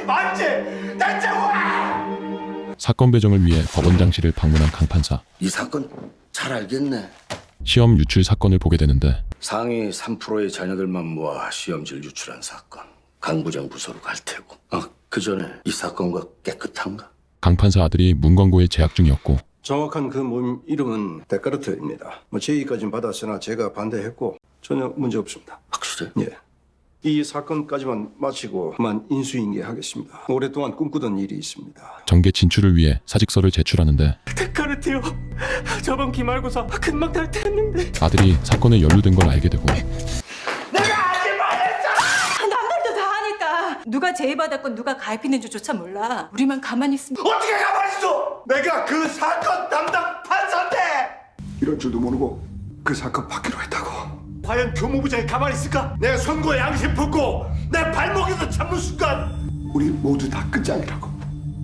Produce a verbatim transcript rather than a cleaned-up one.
맞지? 대체 왜? 사건 배정을 위해 법원장실을 방문한 강 판사. 이 사건 잘 알겠네. 시험 유출 사건을 보게 되는데 상위 삼 퍼센트의 자녀들만 모아 시험지를 유출한 사건. 강 부장 부서로 갈 테고. 아, 그 전에 이 사건과 깨끗한가? 강 판사 아들이 문광고에 재학 중이었고 정확한 그 모임 이름은 데카르트입니다. 뭐 제의까지는 받았으나 제가 반대했고 전혀 문제 없습니다. 확실해? 예. 이 사건까지만 마치고 그만 인수인계하겠습니다. 오랫동안 꿈꾸던 일이 있습니다. 정계 진출을 위해 사직서를 제출하는데 데카르트요. 저번 기말고사 금방 다 됐는데. 아들이 사건에 연루된 걸 알게 되고 내가 아직 말했잖아. 남들도 다 하니까 누가 제의받았건 누가 가입했는 줄조차 몰라. 우리만 가만히 있으면 어떻게 가만히 있어? 내가 그 사건 담당 판사인데. 이럴 줄도 모르고 그 사건 받기로 했다고. 과연 교무부장이 가만히 있을까? 내 손과 양심 품고 내 발목에서 잡는 순간 우리 모두 다 끝장이라고.